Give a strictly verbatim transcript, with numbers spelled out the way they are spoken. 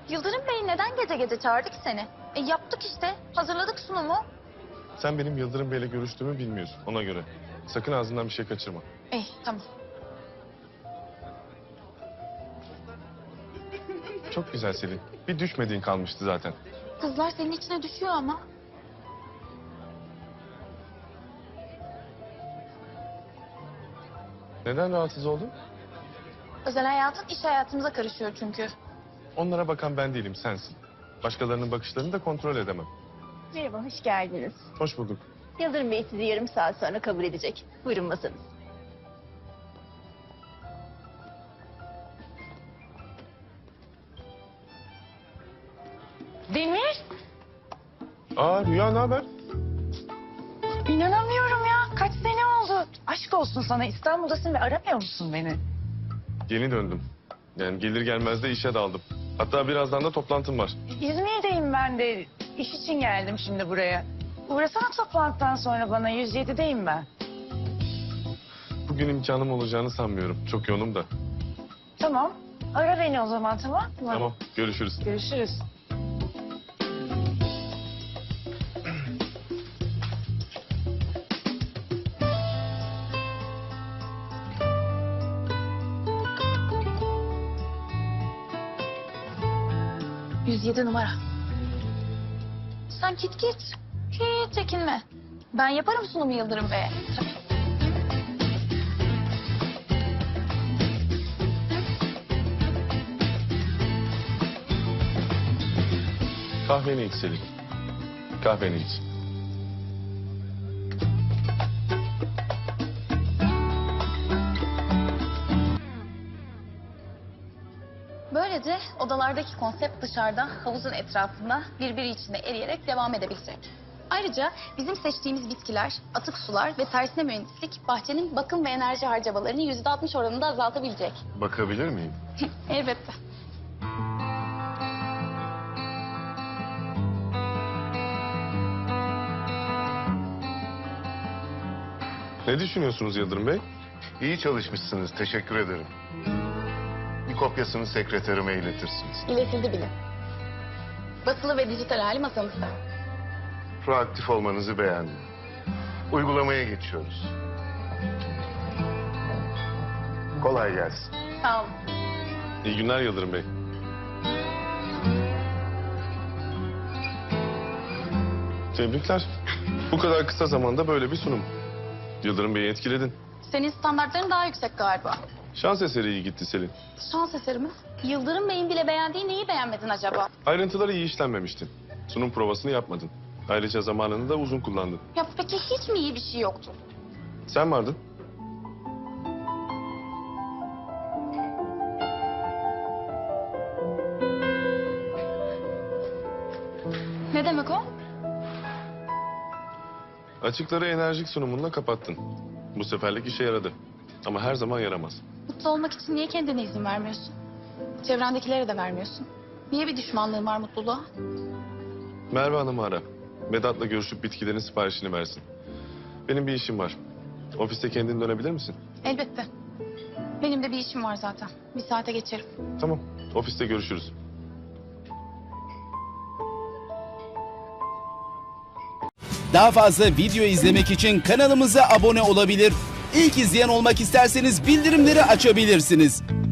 Yıldırım Bey neden gece gece çağırdı ki seni? E yaptık işte. Hazırladık sunumu. Sen benim Yıldırım Bey'le görüştüğümü bilmiyorsun ona göre. Sakın ağzından bir şey kaçırma. İyi tamam. Çok güzel Selin. Bir düşmediğin kalmıştı zaten. Kızlar senin içine düşüyor ama. Neden rahatsız oldun? Özel hayatın iş hayatımıza karışıyor çünkü. Onlara bakan ben değilim, sensin. Başkalarının bakışlarını da kontrol edemem. Merhaba, hoş geldiniz. Hoş bulduk. Yıldırım Bey sizi yarım saat sonra kabul edecek. Buyurun masanız. Demir, Aa Rüya, ne haber? inanamıyorum ya. Kaç sene oldu. Aşk olsun sana. İstanbul'dasın ve aramıyor musun beni? Yeni döndüm. Yani gelir gelmez de işe daldım. Hatta birazdan da toplantım var. İzmir'deyim ben de. İş için geldim şimdi buraya. Uğrasana toplantıdan sonra bana. yüz yedideyim ben. Bugün imkanım olacağını sanmıyorum. Çok yoğunum da. Tamam. Ara beni o zaman, tamam mı? Tamam, görüşürüz. Görüşürüz. yüz yedi numara. Sen git git. Hiç çekinme. Ben yaparım sunumu Yıldırım Bey'e. Tabii. Kahveni iç Selin. Kahveni iç. Böylece odalardaki konsept dışarıda havuzun etrafında birbiri içinde eriyerek devam edebilecek. Ayrıca bizim seçtiğimiz bitkiler, atık sular ve tersine mühendislik bahçenin bakım ve enerji harcamalarını yüzde altmış oranında azaltabilecek. Bakabilir miyim? Elbette. Ne düşünüyorsunuz Yıldırım Bey? İyi çalışmışsınız, teşekkür ederim. Bir kopyasını sekreterime iletirsiniz. İletildi bile. Basılı ve dijital hali masamızda. Proaktif olmanızı beğendim. Uygulamaya geçiyoruz. Kolay gelsin. Sağ olun. İyi günler Yıldırım Bey. Tebrikler. Bu kadar kısa zamanda böyle bir sunum. Yıldırım Bey'i etkiledin. Senin standartların daha yüksek galiba. Şans eseri iyi gitti Selin. Şans eseri mi? Yıldırım Bey'in bile beğendiği neyi beğenmedin acaba? Ayrıntıları iyi işlenmemişti. Sunum provasını yapmadın. Ayrıca zamanını da uzun kullandın. Ya peki hiç mi iyi bir şey yoktu? Sen vardın. Ne demek o? Açıkları enerjik sunumunla kapattın. Bu seferlik işe yaradı. Ama her zaman yaramaz. Mutlu olmak için niye kendine izin vermiyorsun? Çevrendekilere de vermiyorsun. Niye bir düşmanlığın var mutluluğa? Merve Hanım'ı ara. Vedat'la görüşüp bitkilerin siparişini versin. Benim bir işim var. Ofiste kendin dönebilir misin? Elbette. Benim de bir işim var zaten. Bir saate geçerim. Tamam. Ofiste görüşürüz. Daha fazla video izlemek için kanalımıza abone olabilir. İlk izleyen olmak isterseniz bildirimleri açabilirsiniz.